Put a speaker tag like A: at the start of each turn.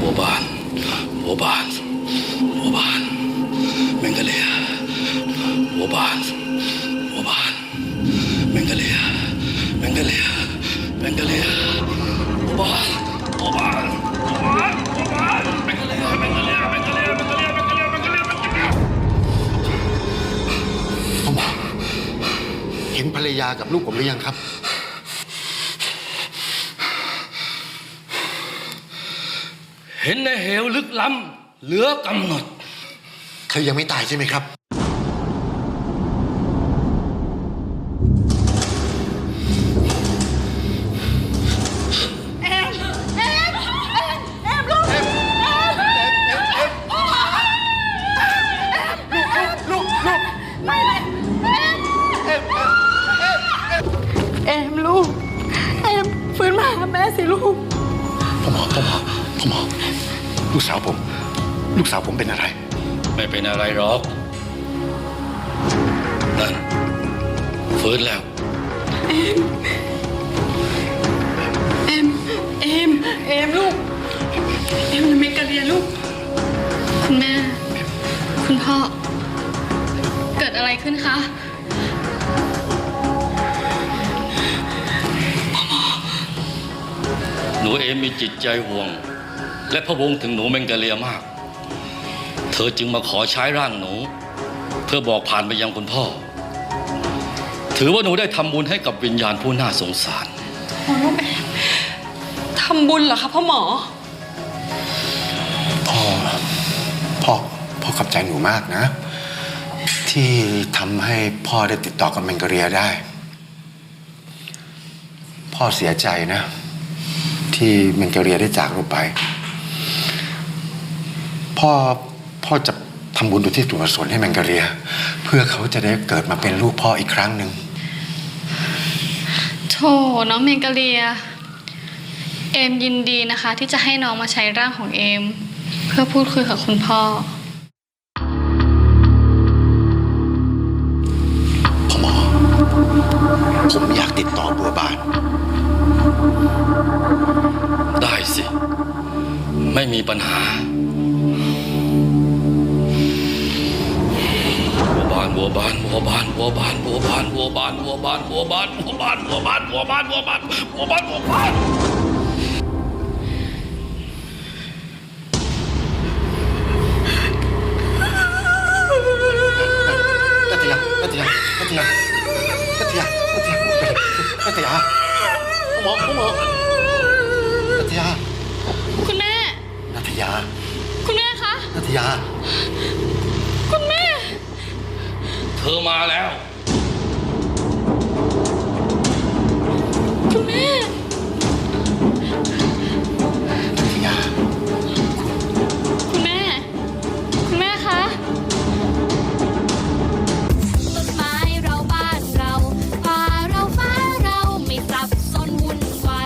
A: บานบัวบานบัวบานแมงกะเลียบัวบานบัวบานแมงกะเลียแมงกะเลียแมงกะเลียบัวบานบัวบานบัวบานบัวบานแมงกะเลียแมงกะเลียแมงกะเลียแมงกะเลียแมงกะเลียแมงกะเลียแมงกะเลีย
B: ผมเห็นภรรยากับลูกผมหรือยังครับ
A: เห็นในเหวลึกล้ำเหลือกำหนด
B: เธอยังไม่ตายใช่ไหมครับ
C: ลูกไม่ลูกฟื้นมาหาแม่สิลูก
B: พ่อหมอลูกสาวผมเป็นอะไร
A: ไม่เป็นอะไรหรอกนั่นฟื้นแล้ว
C: ลูกยังไม่กระเรียนลูก
D: คุณแม่คุณพ่อเกิดอะไรขึ้นคะ
A: หนูเอมมีจิตใจห่วงและพะวงถึงหนูแมงกะเลียมากเธอจึงมาขอใช้ร่างหนูเพื่อบอกผ่านไปยังคุณพ่อถือว่าหนูได้ทำบุญให้กับวิญญาณผู้น่าสงสาร
C: ลูกเอมทำบุญเหรอคะพ่อหมอ
B: พ่อขอบใจหนูมากนะที่ทำให้พ่อได้ติดต่อกับแมงกะเรียได้พ่อเสียใจนะที่แมงกะเรียได้จากเราไปพ่อจะทำบุญอุทิศส่วนกุศลให้แมงกะเรียเพื่อเขาจะได้เกิดมาเป็นลูกพ่ออีกครั้งหนึ่ง
D: โธ่น้องเมงกะเรียเอมยินดีนะคะที่จะให้น้องมาใช้ร่างของเอมเพื่อพูดคุยกับคุณพ่อ
B: หมอผมอยากติดต่อบัวบาน
A: ได้สิไม่มีปัญหาบัวบาน
B: นัตยาหมอนัตยา
D: คุณแม่
B: นัตยา
D: คุณแม่คะ
B: นัตยา
D: คุณแม่
A: เธอมาแล้ว
D: คุณแม่